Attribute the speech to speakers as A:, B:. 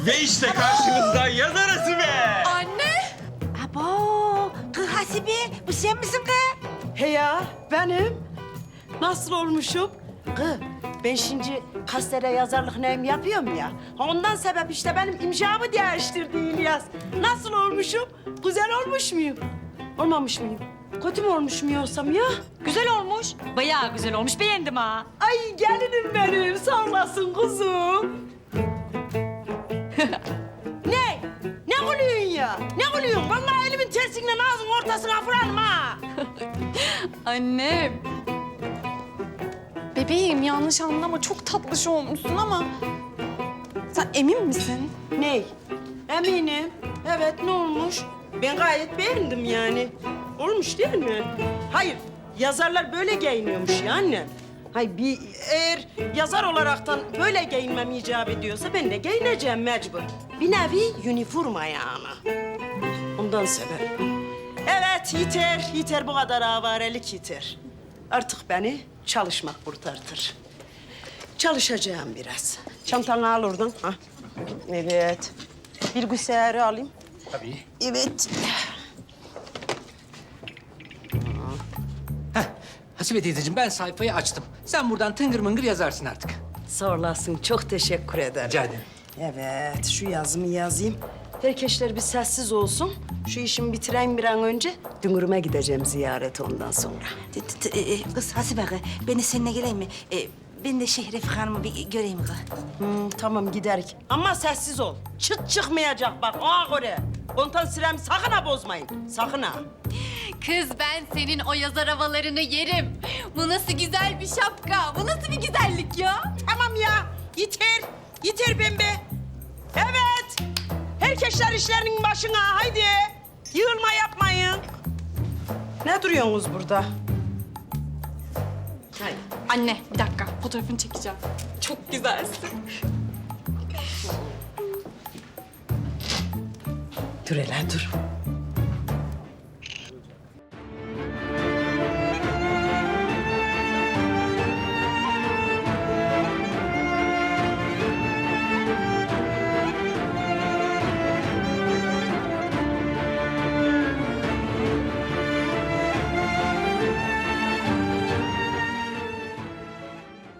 A: Ve işte karşınızda yazar Hasibe.
B: Anne!
C: Abo, kız Hasibe, bu sen misin kız?
D: He ya, benim. Nasıl olmuşum? Kız, ben şimdi gazetede yazarlık neyim yapıyorum ya. Ondan sebep işte benim imzamı değiştirdi İlyas. Nasıl olmuşum? Güzel olmuş muyum? Olmamış mıyım? Kötü mü olmuşum yoksam ya?
B: Güzel olmuş. Bayağı güzel olmuş. Beğendim ha.
D: Ay gelinim benim, sağ olasın kuzum. Ne? Ne gülüyorsun ya? Ne gülüyorsun? Vallahi elimin tersiyle ağzının ortasına vurarım ha.
B: Annem. Bebeğim yanlış anlama. Çok tatlış olmuşsun ama... Sen emin misin?
D: Ney? Eminim. Evet, ne olmuş? Ben gayet beğendim yani. Olmuş değil mi? Hayır, yazarlar böyle giyiniyormuş ya anne. Hayır, eğer yazar olaraktan böyle giyinmem icap ediyorsa ben de giyineceğim mecbur. Bir nevi üniforma yani. Ondan sebep. Evet, yeter. Yeter bu kadar avarelik yeter. Artık beni çalışmak kurtartır. Çalışacağım biraz. Çantanı al oradan. Ha. Evet. Bir güseri alayım.
E: Tabii.
D: Evet.
E: Hasibe teyzeciğim ben sayfayı açtım. Sen buradan tıngır mıngır yazarsın artık.
D: Sağ olasın. Çok teşekkür ederim.
E: Rica ederim.
D: Evet, şu yazımı yazayım. Herkesler bir sessiz olsun. Şu işimi bitireyim bir an önce. Dünürüme gideceğim ziyaret ondan sonra.
C: Kız Hasibe kız, ben de seninle geleyim mi? Ben de Şehriye Hanım'ı bir göreyim kız.
D: Tamam giderik. Ama sessiz ol. Çıt çıkmayacak bak ona göre. Kontan süremi sakın ha bozmayın. Sakın ha.
F: Kız ben senin o yazar havalarını yerim. Bu nasıl güzel bir şapka, bu nasıl bir güzellik ya?
D: Tamam ya. Yeter. Yeter pembe. Evet. Herkesler işlerinin başına. Haydi. Yığılma yapmayın. Ne duruyorsunuz burada? Haydi.
B: Anne bir dakika. Fotoğrafını çekeceğim. Çok güzelsin.
D: Dur hele dur.